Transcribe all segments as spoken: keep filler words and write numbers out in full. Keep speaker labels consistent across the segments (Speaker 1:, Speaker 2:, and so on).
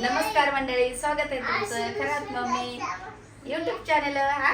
Speaker 1: नमस्कार मंडळी, स्वागत आहे तुमचं खरात मम्मी युट्यूब चॅनल. हा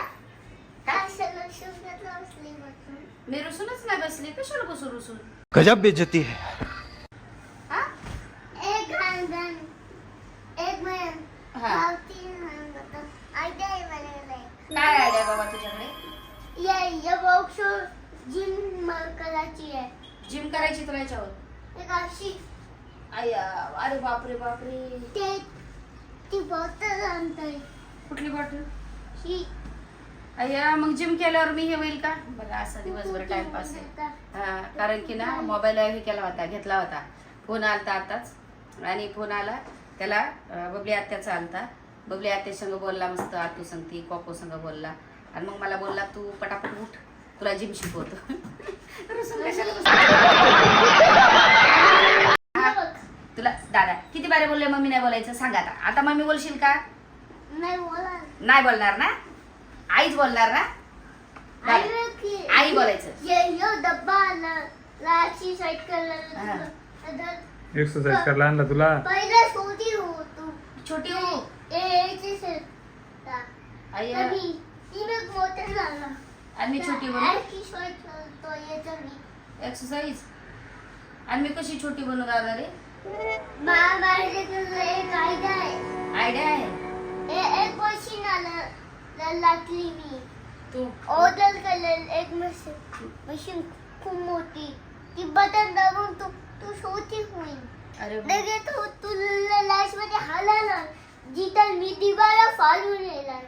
Speaker 1: मी रुसूनच नाही बसली, कशाला बसू रुसून?
Speaker 2: गजब बेइज्जती है.
Speaker 1: हा
Speaker 3: एक घान एक महिन
Speaker 1: हा
Speaker 3: तीन महिन आयडिया आहे मला.
Speaker 1: काय आयडिया बाबा तुझ्याकडे?
Speaker 3: ये ये बॉक्स जिम करायची आहे.
Speaker 1: जिम करायची तुला याच्यावर?
Speaker 3: एक अशी
Speaker 1: आया, अरे बापरे बापरे.
Speaker 3: ते ती बॉटल आणतोय.
Speaker 1: कुठली बॉटल?
Speaker 3: ही
Speaker 1: अय्या, मग जिम केल्यावर मी हे होईल का? बघा असा दिवसभर टाइमपास आहे. हा, कारण की ना मोबाईल हे केला होता, घेतला होता. फोन आलता आताच, आणि फोन आला त्याला बबली आत्याचा आलता. बबली आत्या संग बोलला मस्त, आतू संगती कोको संग बोलला, आणि मग मला बोलला तू पटापट उठ, तुला जिम शिकवतो. तुला दादा किती बारे बोलले मम्मी नाही बोलायचं? सांग आता. आता मम्मी बोलशील का?
Speaker 3: नाही बोला.
Speaker 1: नाही बोलणार ना? आईच बोलणार ना? आई बोलायचं.
Speaker 3: ये यो डब्बा आला लाची साइड करायला.
Speaker 2: एक्सरसाइज करायला आणला तुला.
Speaker 3: पहिला छोटी हो तू.
Speaker 1: छोटी हो.
Speaker 3: ए एचे से
Speaker 1: अय्या,
Speaker 3: तभी तिने मोटर झाला.
Speaker 1: आणि मी छोटी बनू?
Speaker 3: एक्सरसाइज करतो याचा मी.
Speaker 1: एक्सरसाइज? आणि मी कशी छोटी बनू दादा रे?
Speaker 3: मा माझ्याकडे एक आयडिया आहे.
Speaker 1: आयडिया आहे?
Speaker 3: ए एक मशीन आलं लागली मी.
Speaker 1: तू
Speaker 3: ऑर्डर केलेलं एक मशीन. मशीन खूप मोठी. ती बटन दाबून तू तू छोटी होईल.
Speaker 1: अरे
Speaker 3: लगे तू तुला लाश मध्ये हालाला जिथं मी दिवाला फाडून येणार.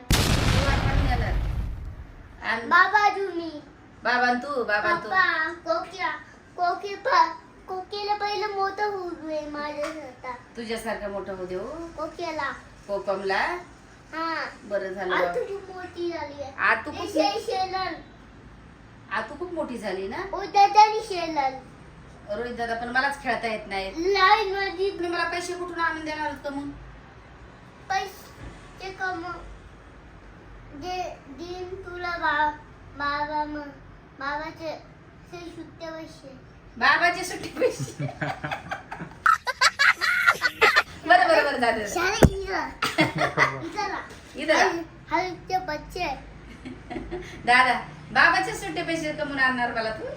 Speaker 1: आणि
Speaker 3: बाबा तुम्ही
Speaker 1: बाबा तू बाबा तू
Speaker 3: पप्पा कोकिया कोकी पा कोकीला पहिलं मोठं होऊ दे माझ्यासारखा.
Speaker 1: तुझ्यासारखं मोठं होऊ देऊ.
Speaker 3: कोकीला
Speaker 1: कोकमला
Speaker 3: हा
Speaker 1: बरं झालं
Speaker 3: आता
Speaker 1: बाबा.
Speaker 3: तू मोठी झाली आहे.
Speaker 1: आ तू खूप
Speaker 3: शे शेलन
Speaker 1: आ तू खूप मोठी झाली ना
Speaker 3: उद्याच्यानी शेलन.
Speaker 1: रोहित दादा, पण मलाच खेळता येत नाही.
Speaker 3: लाईन मध्ये
Speaker 1: तुम्ही मला पैसे कुठून आणून देणार होतं मग?
Speaker 3: पैसे कम जे दिन तुला बा बाबा मग बाबाचे से सुट्टे पैसे.
Speaker 1: बाबाचे सुट्टी पैसे. बरं बरं बरं दादा.
Speaker 3: शाळे इधर इधर
Speaker 1: इधर
Speaker 3: हलते बच्चे.
Speaker 1: दादा, बाबाचे सुट्टे पैसे कमून आणणार मला तू?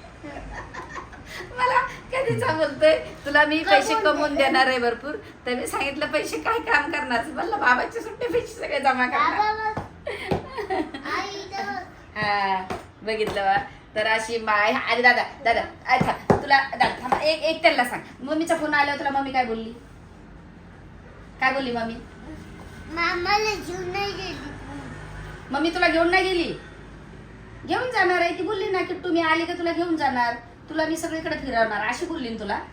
Speaker 1: मला कधीचा बोलतोय तुला मी पैसे कमवून देणार आहे भरपूर, तर मी सांगितलं पैसे काय काम करणार? म्हणलं बाबाचे सुट्टे पैसे सगळे जमा करणार.
Speaker 3: बाबा आई इधर
Speaker 1: हा, बघितलं बा. तर अशी माय. अरे दादा दादा अरे थांब, तुला दादा थांब, एक एक त्यांना सांग. मम्मीचा फोन आल्यावर तुला मम्मी काय बोलली? काय बोलली मम्मी?
Speaker 3: मामाला जीव नाही गेली.
Speaker 1: मम्मी तुला घेऊन नाही गेली? घेऊन जाणार आहे ती बोलली ना की तुम्ही आले का तुला घेऊन जाणार, तुला मी सगळीकडे फिरवणार अशी बोलली ना तुला.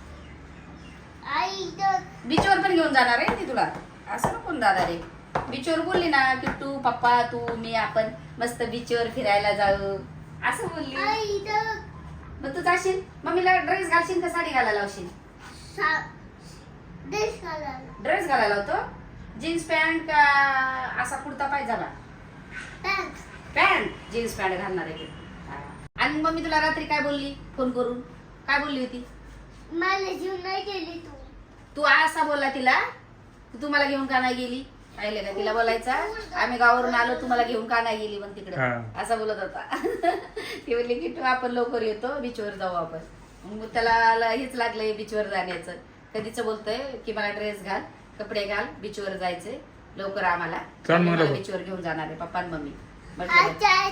Speaker 3: आई इधर
Speaker 1: बीचवर पण घेऊन जाणार आहे ती तुला. असं नको ना दादा रे. बीचवर बोलली ना की तू पप्पा तू मी आपण मस्त बीचवर फिरायला जाऊ असं बोलली.
Speaker 3: आई इधर
Speaker 1: मग तू जाशील मम्मीला ड्रेस घालशील का साडी घालायला लावशील?
Speaker 3: सा देश घालायला.
Speaker 1: ड्रेस घालायला लावतो. जीन्स पॅन्ट का असा kurta pajama?
Speaker 3: Thanks.
Speaker 1: Pant jeans pant घालणार आहे. आणि मम्मी तुला रात्री काय बोलली फोन करून? काय बोलली होती?
Speaker 3: मला जीव नाही गेली तू.
Speaker 1: तू असा बोलला तिला, तू मला घेऊन का नाही गेली? पाहिले का तिला बोलायचा आम्ही गावावरून आलो तुम्हाला घेऊन का नाही गेली मग तिकडे, असा बोलत होता. ती बोलली की तू आपण लवकर येतो बीचवर जाऊ आपण. मग त्याला हेच लागलंय बीचवर जाण्याचं. कधीच बोलतोय की मला ड्रेस घाल कपडे घाल बीचवर जायचंय लवकर आम्हाला, बीचवर घेऊन जाणार आहे पप्पा आणि मम्मी.
Speaker 3: अच्छा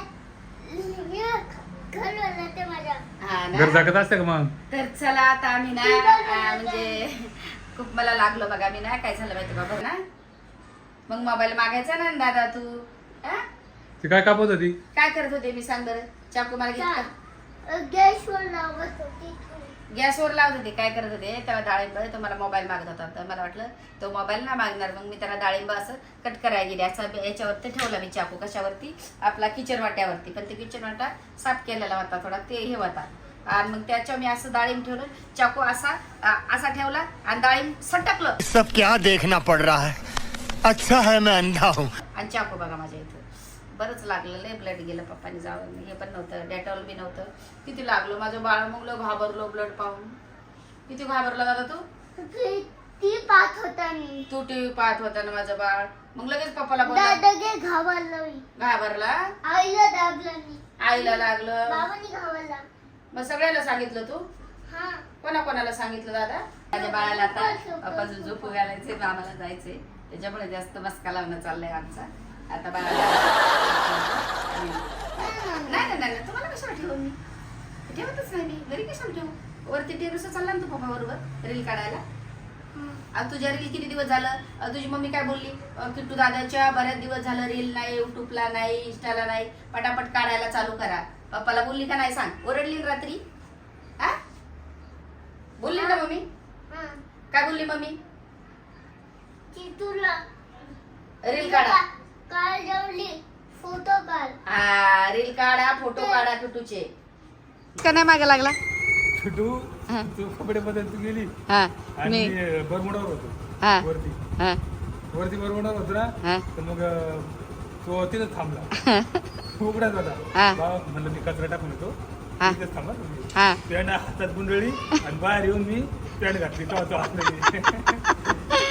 Speaker 3: घर वाला ते माझ्या.
Speaker 1: हा
Speaker 2: घर
Speaker 1: ना.
Speaker 2: जागत असते का मग?
Speaker 1: तर चला आता आम्ही ना आ, म्हणजे खूप मला लागलो बघा. मी ना काय झालं माहिती बाबा ना, मग मोबाईल मागायचा ना दादा तू. हा?
Speaker 2: ती काय कापत होती?
Speaker 1: काय करत होते मी सांग बरं? चाकू मला घेतला
Speaker 3: गॅसवर लावत होती.
Speaker 1: गॅसवर लावत होते. काय करत होते तेव्हा डाळिंब तो मला मोबाईल मागत होता. तर मला वाटलं तो मोबाईल ना मागणार, मग मी त्याला डाळिंब असं कट करायला गेली. असा याच्यावरती ठेवला मी चाकू. कशावरती? आपला किचन वाट्यावरती. पण ते किचन वाटा साफ केलेला होता थोडा, ते हे होता. आणि मग त्याच्यावर मी असं डाळिंब ठेवलं, चाकू असा असा ठेवला आणि डाळिंब सटकलं.
Speaker 4: सब क्या देखना पड़ रहा है, अच्छा है मैं अंधा हूँ.
Speaker 1: आणि चाकू बघा माझ्या इथं बरंच लागलं. लय ब्लड गेलं. पप्पानी जावं हे पण नव्हतं, डेटॉल बी नव्हतं. किती लागलो माझं बाळ. मग घाबरलो ब्लड पाहून. किती घाबरला दादा तू?
Speaker 3: ती पाहत होता मी.
Speaker 1: तू टीव्ही पाहत होता ना माझं बाळ, मग लगेच पप्पाला बोलला,
Speaker 3: दादागे घाबरला मी.
Speaker 1: घाबरला,
Speaker 3: आईला दाबला मी.
Speaker 1: आईला लागलं,
Speaker 3: बाबांनी घाबरला.
Speaker 1: मग सगळ्याला सांगितलं तू?
Speaker 3: हा.
Speaker 1: कोणा कोणाला सांगितलं दादा? माझ्या बाळाला आता पप्पाचं झोपू घालायचे, मामाला जायचे, त्याच्यामुळे जास्त मस्का लावणं चाललंय आमचा. आता बाळाला नाही नाही नाही तुम्हाला कशाला ठेवू मी, ठेवतच नाही मी घरी, कशाला ठेवू? वरती टेरेसवर चालला ना तू पप्पा बरोबर रील काढायला. आज तुझ्या रील किती दिवस झालं? अं, तुझी मम्मी काय बोलली? अं, किट्टू दादाच्या बऱ्याच दिवस झालं रील नाही, युट्यूबला नाही, इंस्टाला नाही, पटापट काढायला चालू करा. पप्पाला बोलली का नाही सांग? ओरडली ना रात्री? हा बोलली ना मम्मी?
Speaker 3: हा.
Speaker 1: काय बोलली मम्मी?
Speaker 3: की तुला
Speaker 1: रील काढा,
Speaker 3: काल जेवली फोटो काढ.
Speaker 1: हा रील काढा, फोटो काढा किट्टूचे. का नाही मागे लागला?
Speaker 2: छोटू तू कपडे बदलत गेली
Speaker 1: हा
Speaker 2: आणि बरमुडावर होतो
Speaker 1: हा
Speaker 2: वरती
Speaker 1: हा
Speaker 2: वरती बरमुडावर होतो
Speaker 1: हा.
Speaker 2: ना, तर मग अं, तो तिथंच थांबला. उघडाच होता.
Speaker 1: हा.
Speaker 2: बाबा म्हणलं मी कचरा टाकून येतो,
Speaker 1: हा.
Speaker 2: तिथेच थांबा तुम्ही.
Speaker 1: हा
Speaker 2: पॅन्ट हातात गुंडळी आणि बाहेर येऊन मी पॅन्ट घातली, तेव्हा तो हात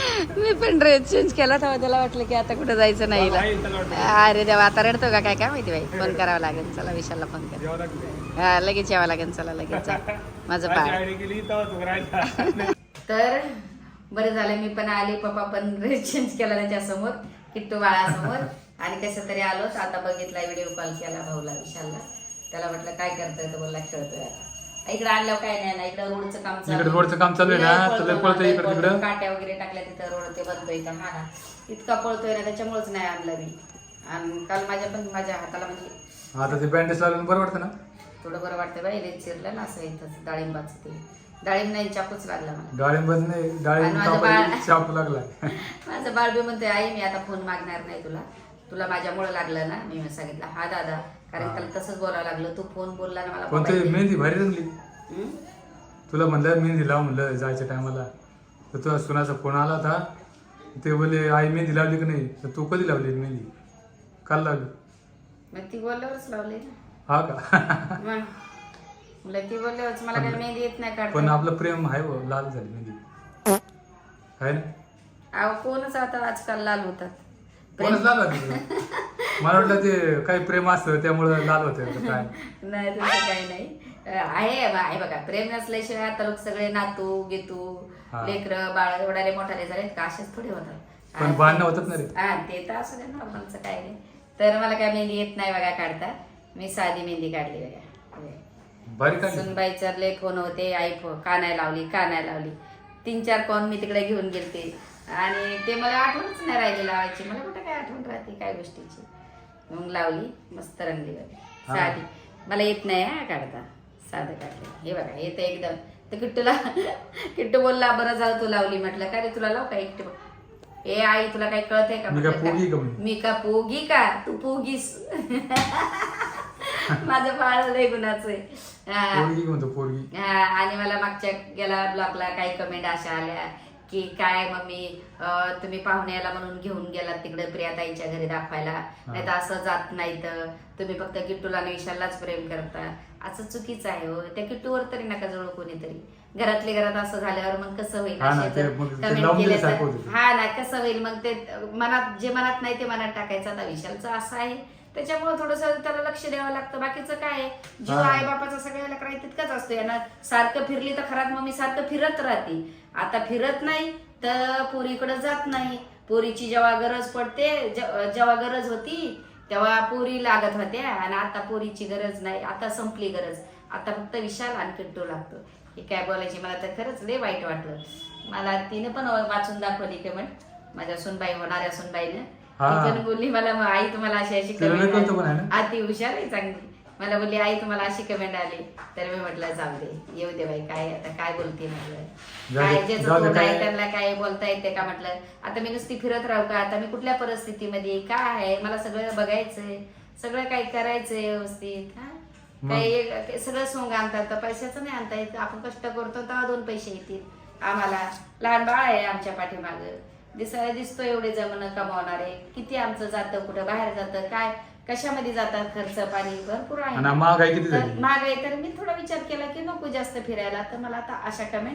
Speaker 1: मी पण ड्रेस चेंज केला तेव्हा त्याला वाटलं की आता कुठं जायचं नाही हिला. अरे देवा, आता रडतो का काय काय माहिती बाई. फोन करावा लागेल, चला विशालला फोन कर.
Speaker 2: जेव्हा लागली
Speaker 1: हा लगेच यावं लागेल, चला लगेच जा. माझं बाळ
Speaker 2: आयडी गेली तेव्हा तो राहिला.
Speaker 1: तर बरं झालं मी पण आले, पप्पा पण ड्रेस चेंज केला त्याच्यासमोर, किट्टू बाळासमोर. आणि कसं तरी आलोच. आता बघितला, व्हिडिओ कॉल केला भाऊला विशालला, त्याला म्हटलं काय करतोय, तर बोलला खेळतोय. आता इकडे आणल्यावर काय नाही ना, इकडे रोडचं काम
Speaker 2: इकडे रोडचं काम चालू आहे ना, तर लय पळतोय इकडे तिकडं.
Speaker 1: काट्या वगैरे टाकल्या तिथं, रोड ते बनतोय का, हा ना इतका पळतोय ना, त्याच्यामुळेच नाही आणलं मी. आणि काल माझ्या पण माझ्या हाताला म्हणजे
Speaker 2: आता ते बँडेज लावून बरं वाटतं ना,
Speaker 1: थोडं बरं वाटतं बाई. रेत चिरलं ना असं इथं डाळिंबाचं ते, डाळिंब नाही चाकूच लागला मला.
Speaker 2: डाळिंब नाही, डाळिंब
Speaker 1: आणि माझं बाळ-
Speaker 2: कापायला चाकू लागला.
Speaker 1: माझं बाळ बी म्हणतोय आई मी आता फोन मागणार नाही तुला, तुला माझ्यामुळे लागलं ना. मी सांगितलं हा दादा, कारण त्याला तसंच बोलावं लागलं, तू फोन बोलला ना मला.
Speaker 2: पण ते मेहंदी भारी रंगली.
Speaker 1: हम्म?
Speaker 2: तुला म्हणलं मेहंदी लाव, म्हणलं जायच्या टायमाला, तर तुझ्या सुनाचा फोन आला होता. ते बोलले आई मेहंदी लावली की नाही, तर तू कधी लावली मेहंदी? काल लावली.
Speaker 1: मग ती बोलल्यावरच लावले ना.
Speaker 2: हा का?
Speaker 1: मग म्हणलं ती बोलल्यावरच, मला काही मेहंदी येत नाही
Speaker 2: पण
Speaker 1: काढता.
Speaker 2: आपलं प्रेम आहे हो, लाल झाली मेहंदी आहे ना.
Speaker 1: अहो कोणच आता आजकाल लाल होतात.
Speaker 2: कोणच लाल होती तुला? मला वाटलं ते काही प्रेम असतं त्यामुळे लाल होते का काय.
Speaker 1: नाही तसं काही नाही. आहे आहे बघा, प्रेम नसल्याशिवाय आता लोक सगळे नातू गेतू
Speaker 2: हा.
Speaker 1: लेकरं बाळ एवढाले मोठाले झाले का, असेच थोडे होतात.
Speaker 2: पण भांडणं होतात ना रे.
Speaker 1: हा ते तर असं नाही, नॉर्मलचं काय नाही. तर मला काय मेहंदी येत नाही बघा काढता, मी साधी मेहंदी काढली बघा.
Speaker 2: भारी काढली.
Speaker 1: सुनबाईचं लय फोन होते, आई फो का नाही लावली का नाही लावली, तीन चार कोण मी तिकडे घेऊन गेलते आणि ते मला आठवणच नाही राहिली लावायची. मला कुठं काय आठवण राहते काय गोष्टीची. मग लावली, मस्त रंगली बघा साधी. मला येत नाही हा काढता, साधं काढलं. हे बघा येतं एकदम. तर किट्टूला किट्टू बोलला बरं झालं तू लावली. म्हटलं काय रे तुला लाव का एकटे? ए आई तुला काही कळतंय का?
Speaker 2: मी का पोगी का म्हणे?
Speaker 1: मी का पोगी का? तू पोगीस. माझं बाळ लय गुणाचं आहे.
Speaker 2: पोरगी म्हणतो पोरगी.
Speaker 1: हा, आणि मला मागच्या गेला ब्लॉगला काही कमेंट अशा आल्या की काय मम्मी अं, तुम्ही पाहुण्याला म्हणून घेऊन गेलात तिकडे प्रियाताईच्या घरी दाखवायला, नाही तर असं जात नाही, तर तुम्ही फक्त किट्टूला आणि विशाललाच प्रेम करता. असं चुकीचं आहे हो. त्या किट्टूवर तरी नका जवळ कोणीतरी. घरातले घरात असं झाल्यावर मग कसं होईल?
Speaker 2: हा ना,
Speaker 1: असे
Speaker 2: ते
Speaker 1: जर
Speaker 2: मग ते
Speaker 1: comment
Speaker 2: लावून
Speaker 1: केले
Speaker 2: दिल्यासारखं
Speaker 1: तर
Speaker 2: होतं.
Speaker 1: हा ना कसं होईल मग? ते मनात जे मनात नाही ते मनात टाकायचं. आता विशालचं असं आहे त्याच्यामुळे थोडस त्याला लक्ष द्यावं लागतं. बाकीचं काय आहे, जीव
Speaker 2: हा.
Speaker 1: आई बापाचा सगळ्याला काही तितकाच असतो. यांना सारखं फिरली तर खरात मम्मी सारखं फिरत राहते. आता फिरत नाही तर पोरीकडे जात नाही. पोरीची जेव्हा गरज पडते, जे- जेव्हा गरज होती तेव्हा पोरी लागत होत्या आणि आता पोरीची गरज नाही. आता संपली गरज. आता फक्त विशाल आणि किट्टू लागतो. हे काय बोलायची, मला तर खरंच लय वाईट वाटलं. मला तिने पण वाचून दाखवली कमेंट, माझ्या सुनबाई होणाऱ्या सुनबाईनं.
Speaker 2: हा.
Speaker 1: ती पण बोलली मला मग आई तुम्हाला अशी अशी
Speaker 2: तिला लय कळतं पण आहे
Speaker 1: कमेंट
Speaker 2: ना?
Speaker 1: आती हुशार आहे चांगली. मला बोलली आई तुम्हाला अशी कमेंट आली. तर मी म्हटलं जाऊ दे, येऊ दे बाई, काय आता काय बोलते म्हटलं.
Speaker 2: जाऊ दे,
Speaker 1: काय ज्याचं
Speaker 2: जाऊ दे,
Speaker 1: तोंड आहे
Speaker 2: काय-
Speaker 1: त्यांना काय बोलता येते का म्हटलं. आता मी नुसती फिरत राहू का? आता मी कुठल्या परिस्थितीमध्ये काय आहे, मला सगळं बघायचंय, सगळं काही करायचंय व्यवस्थित. हा काही एक- सगळं सोंग आणतात तर पैशाचं नाही आणता येत. आपण कष्ट करतो तेव्हा दोन पैसे येतील आम्हाला. लहान बाळ आहे आमच्या पाठीमाग, दिसायला दिसतो एवढे जमणं कमावणारे. किती आमचं जातं, कुठं बाहेर जातं, काय कशामध्ये जातात, खर्च पाणी भरपूर आहे.
Speaker 2: आणि महागाई किती
Speaker 1: तर
Speaker 2: झाली?
Speaker 1: महागाई तर मी थोडा विचार केला की नको जास्त फिरायला. तर मला आता अशा कमेंट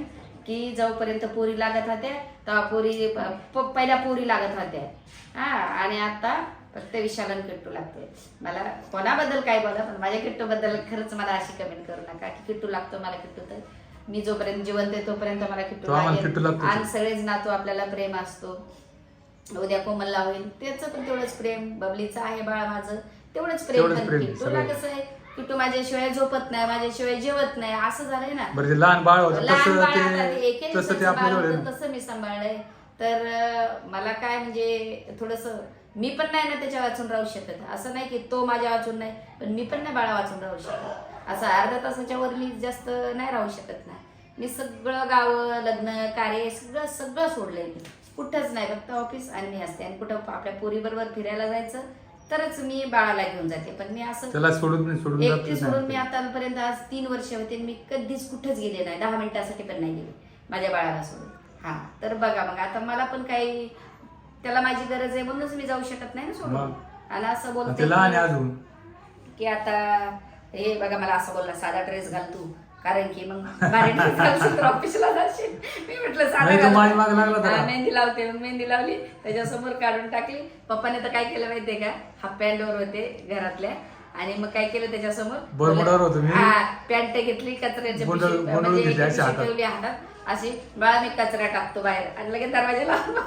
Speaker 1: की जोपर्यंत पोरी लागत होत्या तेव्हा पोरी प- पहिल्या पोरी लागत होत्या हा आणि आता फक्त विशालन किट्टू लागते. मला कोणाबद्दल काय बोला पण माझ्या किट्टू बद्दल खरंच मला अशी कमेंट करू नका की किट्टू लागतो मला किट्टू. तर मी जोपर्यंत जिवंत आहे तोपर्यंत मला किट्टू
Speaker 2: तो आम्हाला किट्टू
Speaker 1: लागेल
Speaker 2: लागतो.
Speaker 1: आणि सगळेच नातू आपल्याला प्रेम असतो. उद्या कोमलला होईल त्याचं पण तेवढंच प्रेम, बबलीचं आहे बाळ माझं तेवढंच प्रेम.
Speaker 2: तेवढंच
Speaker 1: पण
Speaker 2: प्रेम,
Speaker 1: किट्टूला
Speaker 2: सगळं.
Speaker 1: कसं आहे किट्टू माझ्याशिवाय झोपत नाही, माझ्याशिवाय जेवत नाही असं झालंय ना.
Speaker 2: बरं ते लहान बाळ होतं
Speaker 1: लहान
Speaker 2: तसं
Speaker 1: बाळ आता
Speaker 2: ते
Speaker 1: एके
Speaker 2: तसं ते
Speaker 1: दिवसाचं बाळ
Speaker 2: आपल्याजवळ आहे
Speaker 1: होतं,
Speaker 2: ना.
Speaker 1: तसं मी सांभाळलंय. तर अं, मला काय म्हणजे थोडस मी पण नाही ना त्याच्या वाचून राहू शकत. असं नाही की तो माझ्या वाचून नाही पण मी पण नाही बाळा वाचून राहू शकत. असं अर्ध्या तासाच्या वर मी जास्त नाही राहू शकत नाही. मी सगळं गावं लग्न कार्य सगळं सगळं सोडलंय. मी कुठंच नाही, फक्त ऑफिस आणि मी असते. आणि कुठं आपल्या पोरीबरोबर फिरायला जायचं तरच मी बाळाला घेऊन जाते. पण मी असं
Speaker 2: त्याला सोडून सोडून
Speaker 1: एकटी
Speaker 2: जातच
Speaker 1: सोडून मी
Speaker 2: नाही.
Speaker 1: आतापर्यंत आज तीन वर्ष होते मी कधीच कुठंच गेले नाही, दहा मिनिटासाठी पण नाही गेले माझ्या बाळाला सोडून. हा तर बघा मग आता मला पण काही त्याला माझी गरज आहे म्हणूनच मी जाऊ शकत नाही ना सोडून.
Speaker 2: मग.
Speaker 1: आणि असं बोलते
Speaker 2: ते लहान आहे
Speaker 1: की-
Speaker 2: अजून.
Speaker 1: की आता हे बघा मला असं बोलला साधा ड्रेस घाल तू कारण की मग भारी ड्रेस घालशील तर ऑफिसला जाशील. मी म्हटलं साधा
Speaker 2: नाही, तो
Speaker 1: घाल.
Speaker 2: माझ्या मागे लागला होता.
Speaker 1: हा, मेहंदी लावते मग मेहंदी लावली त्याच्यासमोर काढून टाकली. पप्पाने तर काय केलं माहितीये का, हाफ पॅन्टवर होते घरातल्या आणि मग काय केलं त्याच्यासमोर
Speaker 2: बरमुडावर होतो मी.
Speaker 1: हा पॅन्ट घेतली कचऱ्याची
Speaker 2: गुंडळ-
Speaker 1: पिशवी-
Speaker 2: गुंडळून
Speaker 1: म्हणजे
Speaker 2: घेतली
Speaker 1: एक
Speaker 2: अशी
Speaker 1: पिशवी
Speaker 2: हातात.
Speaker 1: ठेवली हातात अशी बाळा मी कचरा टाकतो बाहेर आणि लगेच दरवाजा लावून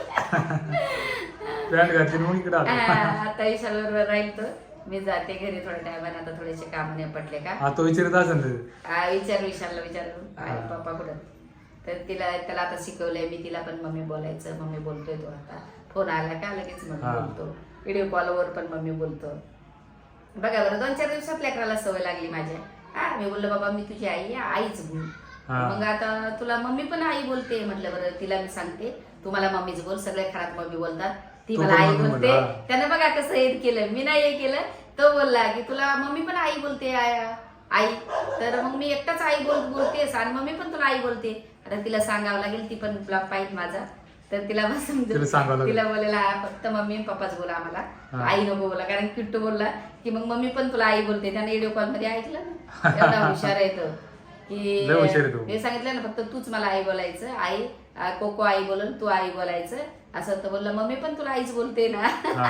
Speaker 2: पॅन्ट घातली मग इकडे आलो.
Speaker 1: आता विशाल बरोबर राहील तर मी जाते घरी थोड्या टायमाने. आता थोडेसे काम नाही पडले का
Speaker 2: हा तो विचारत असेल ते.
Speaker 1: आ, विचार विशालला विचारून आई पप्पा कुठं. तर तिला त्याला आता शिकवलंय मी तिला पण मम्मी बोलायचं. मम्मी बोलतोय तो आता फोन आला का लगेच मम्मी
Speaker 2: हा.
Speaker 1: बोलतो. व्हिडिओ कॉलवर पण मम्मी बोलतो. बघा बरं दोन चार दिवसात लेकराला सवय लागली माझ्या. हा मी बोललो बाबा मी तुझी आई आहे आईच बोल.
Speaker 2: हा.
Speaker 1: मग आता तुला मम्मी पण आई बोलते म्हटलं बरं तिला मी सांगते तू मला मम्मीच बोल. सगळ्या घरात मम्मी बोलतात ती
Speaker 2: तू
Speaker 1: मला
Speaker 2: पण
Speaker 1: आई
Speaker 2: मम्मी
Speaker 1: बोलते.
Speaker 2: बोल, हा.
Speaker 1: त्यानं बघा कसं हे केलं मी नाही हे केलं. तो बोलला की तुला मम्मी पण आई बोलते आ- आई. तर मग मी एकटाच आई बोल बोलतेस आणि मम्मी पण तुला आई बोलते. आता तिला सांगावं लागेल ती पण ब्लॉग पाहिजे माझा. तर तिला बस
Speaker 2: तिला सांगावं लागेल.
Speaker 1: तिला बोलायला हा फक्त मम्मी आणि पप्पाच बोला आम्हाला
Speaker 2: हा.
Speaker 1: आई नको बोला. कारण किट्टू बोलला की मग मम्मी पण तुला आई बोलते. त्याने व्हिडिओ कॉल मध्ये ऐकलं ना एवढा हुशार आहे तो की
Speaker 2: लय हुशार आहे तो.
Speaker 1: हे सांगितलं ना फक्त तूच मला आई बोलायचं. आई आ, कोको आई बोलल तू आई बोलायचं असं. तर बोलला मम्मी पण तुला आईच बोलते ना.
Speaker 2: हा.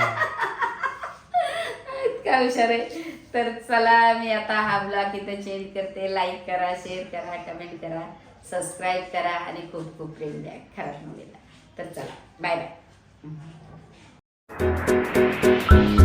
Speaker 1: इतका हुशार आहे. तर चला मी आता हा ब्लॉग इथं चेंज करते. लाईक करा, शेअर करा, कमेंट करा, सबस्क्राईब करा आणि खूप खूप प्रेम द्या खराब मुलीला. तर चला बाय बाय.